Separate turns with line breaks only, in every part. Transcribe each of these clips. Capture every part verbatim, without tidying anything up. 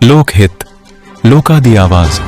ਲੋਕ ਹਿੱਤ, ਲੋਕਾਂ ਦੀ ਆਵਾਜ਼।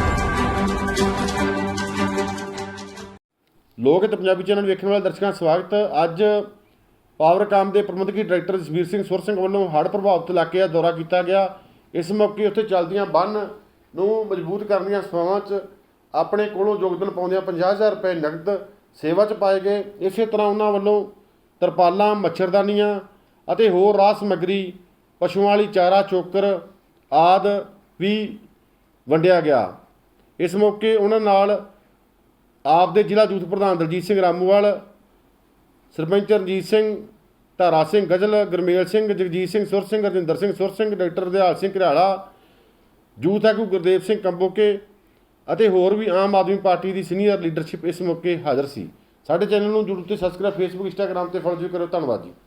ਲੋਕ ਹਿੱਤ ਪੰਜਾਬੀ ਚੈਨਲ ਵੇਖਣ ਵਾਲੇ ਦਰਸ਼ਕਾਂ ਦਾ ਸਵਾਗਤ। ਅੱਜ ਪਾਵਰਕਾਮ ਦੇ ਪ੍ਰਬੰਧਕੀ ਡਾਇਰੈਕਟਰ ਜਸਬੀਰ ਸਿੰਘ ਸੁਰ ਸਿੰਘ ਵੱਲੋਂ ਹੜ੍ਹ ਪ੍ਰਭਾਵਿਤ ਇਲਾਕੇ ਦਾ ਦੌਰਾ ਕੀਤਾ ਗਿਆ। ਇਸ ਮੌਕੇ ਉੱਥੇ ਚੱਲਦੀਆਂ ਬੰਨ੍ਹ ਨੂੰ ਮਜ਼ਬੂਤ ਕਰਨ ਦੀਆਂ ਸੇਵਾਵਾਂ 'ਚ ਆਪਣੇ ਕੋਲੋਂ ਯੋਗਦਾਨ ਪਾਉਂਦਿਆਂ ਪੰਜਾਹ ਹਜ਼ਾਰ ਰੁਪਏ ਨਕਦ ਸੇਵਾ 'ਚ ਪਾਏ ਗਏ। ਇਸੇ ਤਰ੍ਹਾਂ ਉਹਨਾਂ ਵੱਲੋਂ ਤਰਪਾਲਾਂ, ਮੱਛਰਦਾਨੀਆਂ ਅਤੇ ਹੋਰ ਰਾਹ ਸਮੱਗਰੀ, ਪਸ਼ੂਆਂ ਵਾਲੀ ਚਾਰਾ, ਚੋਕਰ ਆਦਿ ਵੀ ਵੰਡਿਆ ਗਿਆ। ਇਸ ਮੌਕੇ ਉਹਨਾਂ ਨਾਲ ਆਪ ਦੇ ਜ਼ਿਲ੍ਹਾ ਯੂਥ ਪ੍ਰਧਾਨ ਦਲਜੀਤ ਸਿੰਘ ਰਾਮੂਵਾਲ, ਸਰਪੰਚ ਰਣਜੀਤ ਸਿੰਘ, ਧਾਰਾ ਸਿੰਘ ਗਜ਼ਲ, ਗੁਰਮੇਲ ਸਿੰਘ, ਜਗਜੀਤ ਸਿੰਘ ਸੁਰ ਸਿੰਘ, ਰਜਿੰਦਰ ਸਿੰਘ ਸੁਰ ਸਿੰਘ, ਡਾਕਟਰ ਦਿਹਾਲ ਸਿੰਘ ਘਰਿਆਲਾ, ਯੂਥ ਆਗੂ ਗੁਰਦੇਵ ਸਿੰਘ ਕੰਬੋਕੇ ਅਤੇ ਹੋਰ ਵੀ ਆਮ ਆਦਮੀ ਪਾਰਟੀ ਦੀ ਸੀਨੀਅਰ ਲੀਡਰਸ਼ਿਪ ਇਸ ਮੌਕੇ ਹਾਜ਼ਰ ਸੀ। ਸਾਡੇ ਚੈਨਲ ਨੂੰ ਜਰੂਰ ਤੇ ਸਬਸਕ੍ਰਾਈਬ, ਫੇਸਬੁੱਕ, ਇੰਸਟਾਗ੍ਰਾਮ ਤੇ ਫੋਲੋ ਕਰੋ। ਧੰਨਵਾਦ ਜੀ।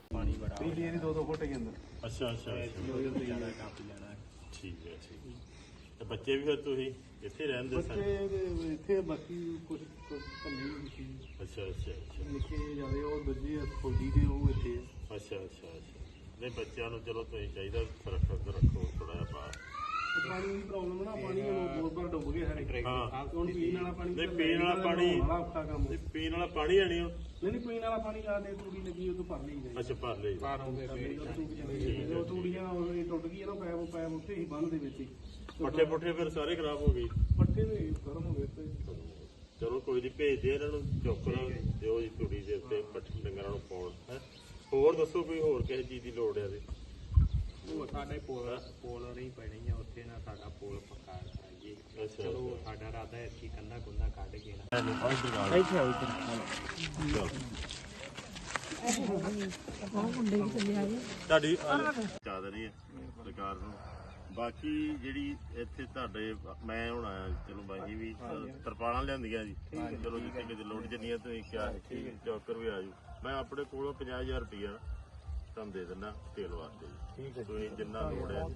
ਅੱਛਾ ਅੱਛਾ ਠੀਕ ਹੈ ਠੀਕ ਹੈ। ਤੇ ਬੱਚੇ ਵੀ ਫਿਰ ਤੁਸੀਂ ਇੱਥੇ ਰਹਿੰਦੇ ਸਨ?
ਇੱਥੇ ਬਾਕੀ ਕੁਝ ਕੁਝ ਭੰਨੀ ਸੀ।
ਅੱਛਾ ਅੱਛਾ ਅੱਛਾ
ਨਿੱਕੇ ਜਿਆਦਾ ਉਹ ਦੂਜੇ ਫੌਜੀ ਦੇ ਉਹ ਇੱਥੇ ਆ।
ਅੱਛਾ ਅੱਛਾ ਅੱਛਾ ਨਹੀਂ ਬੱਚਿਆਂ ਨੂੰ ਚਲੋ ਤੁਸੀਂ ਚਾਹੀਦਾ ਸੁਰੱਖਿਅਤ ਰੱਖੋ ਥੋੜਾ ਜਿਹਾ ਬਾਹਰ।
ਪਾਣੀ ਦੀ ਪ੍ਰੋਬਲਮ ਨਾ, ਪਾਣੀ ਬਹੁਤ ਵਾਰ ਡੁੱਬ ਗਏ ਸਾਰੇ।
ਹਾਂ
ਹੁਣ ਪੀਣ ਵਾਲਾ ਪਾਣੀ
ਨਹੀਂ ਪੀਣ ਵਾਲਾ ਪਾਣੀ
ਬੜਾ ਔਖਾ ਕੰਮ।
ਨਹੀਂ ਪੀਣ ਵਾਲਾ ਪਾਣੀ ਹੈ ਨਹੀਂ ਉਹ?
ਨਹੀਂ ਨਹੀਂ ਪੀਣ ਵਾਲਾ ਪਾਣੀ ਆ ਦੇ ਤੂੜੀ ਲੱਗੀ ਉਹ ਤੋਂ ਭਰ ਲਈ ਗਈ।
ਅੱਛਾ ਭਰ ਲਈ।
ਉਹ ਤੂੜੀਆਂ ਉਹ ਟੁੱਟ ਗਈਆਂ ਨਾ, ਪੈਪ ਪੈਪ ਉੱਥੇ ਹੀ ਬੰਨ ਦੇ ਵਿੱਚ ਹੀ।
ਪੱਠੇ ਪੁੱਠੇ ਫਿਰ ਸਾਰੇ ਖਰਾਬ ਹੋ ਗਏ।
ਪੱਠੇ ਵੀ ਗਰਮ ਹੋ ਗਏ ਤੇ
ਚਲੋ ਕੋਈ ਨਹੀਂ, ਭੇਜਦੇ ਇਹਨਾਂ ਨੂੰ ਚੋਕਰ ਦਿਓ ਜੀ ਤੂੜੀ ਦੇ ਉੱਤੇ ਪੱਠੇ ਡੰਗਰਾਂ ਨੂੰ ਪਾਉਣ। ਹੈ ਹੋਰ ਦੱਸੋ ਕੋਈ ਹੋਰ ਕਿਸੇ ਚੀਜ਼ ਦੀ ਲੋੜ ਹੈ?
ਉਹ ਸਾਡੇ ਪੋਲ ਪੋਲ ਨਹੀਂ ਪੈਣੀ ਆ ਉੱਥੇ ਨਾ, ਸਾਡਾ ਪੋਲ ਪੱਕਾ ਕਰਾਈਏ। ਚਲੋ ਸਾਡਾ ਰਾਦਾ ਹੈ ਕਿ ਕੰਨਾ ਕੁੰਨਾ ਕੱਢ ਕੇ ਨਾ
ਤੁਹਾਡੀ ਚਾਦਰੀ ਹੈ ਸਰਕਾਰ ਨੂੰ। ਬਾਕੀ ਜਿਹੜੀ ਇੱਥੇ ਤੁਹਾਡੇ ਮੈਂ ਹੁਣ ਆਇਆ, ਚਲੋ ਬਾਈ ਵੀ ਤਰਪਾਲਾਂ ਲਿਆਂਦੀਆਂ ਜੀ। ਚਲੋ ਜਿੱਥੇ ਕਿਤੇ ਲੋੜ ਜੰਨੀਆਂ ਤੁਸੀਂ ਕਿਹਾ ਚੌਕਰ ਵੀ ਆ ਜੂ। ਮੈਂ ਆਪਣੇ ਕੋਲੋਂ ਪੰਜਾਹ ਹਜ਼ਾਰ ਰੁਪਈਆ ਤੁਹਾਨੂੰ ਦੇ ਦਿੰਦਾ ਤੇਲ ਵਾਸਤੇ ਜੀ। ਤੁਸੀਂ ਜਿੰਨਾ ਲੋੜ ਹੈ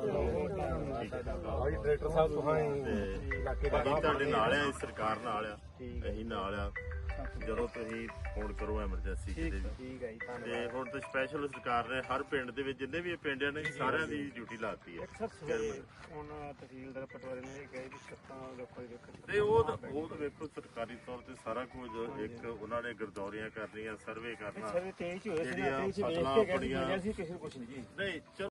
ਡਾਇਰੈਕਟਰ ਸਾਹਿਬ
ਤੇ ਬਾਕੀ ਤੁਹਾਡੇ ਨਾਲ ਆ, ਸਰਕਾਰ ਨਾਲ ਆ, ਅਸੀਂ ਨਾਲ ਆ। ਜਦੋਂ ਤੁਸੀਂ ਫੋਨ ਕਰੋ ਐਮਰਜੈਂਸੀ ਕਿਤੇ ਵੀ। ਤੇ ਹੁਣ ਤਾਂ ਸਪੈਸ਼ਲ ਸਰਕਾਰ ਨੇ ਹਰ ਪਿੰਡ ਦੇ ਵਿੱਚ ਜਿੰਨੇ ਵੀ ਇਹ ਪਿੰਡ ਨੇ ਸਾਰਿਆਂ ਦੀ ਡਿਊਟੀ ਲਾਤੀ ਹੈ।
ਹੁਣ ਤਹਿਸੀਲਦਾਰ ਪਟਵਾਰੀ ਨੇ ਕਿਹਾ ਵੀ ਸੱਤਾਂ ਲੋਕਾਂ ਦੇ
ਤੇ ਉਹ ਤਾਂ ਉਹ ਤਾਂ ਵੇਖੋ ਸਰਕਾਰੀ ਤੌਰ ਤੇ ਸਾਰਾ ਕੁਝ ਇੱਕ ਉਹਨਾਂ ਨੇ ਗਰਦੌਰੀਆਂ ਕਰਨੀਆਂ, ਸਰਵੇ ਕਰਨਾ, ਜਿਹੜੀਆਂ ਫਸਲਾਂ ਆਪਣੀਆਂ
ਕਿਸੇ ਨੂੰ ਕੁਛ ਨਹੀਂ ਜੀ।
ਨਹੀਂ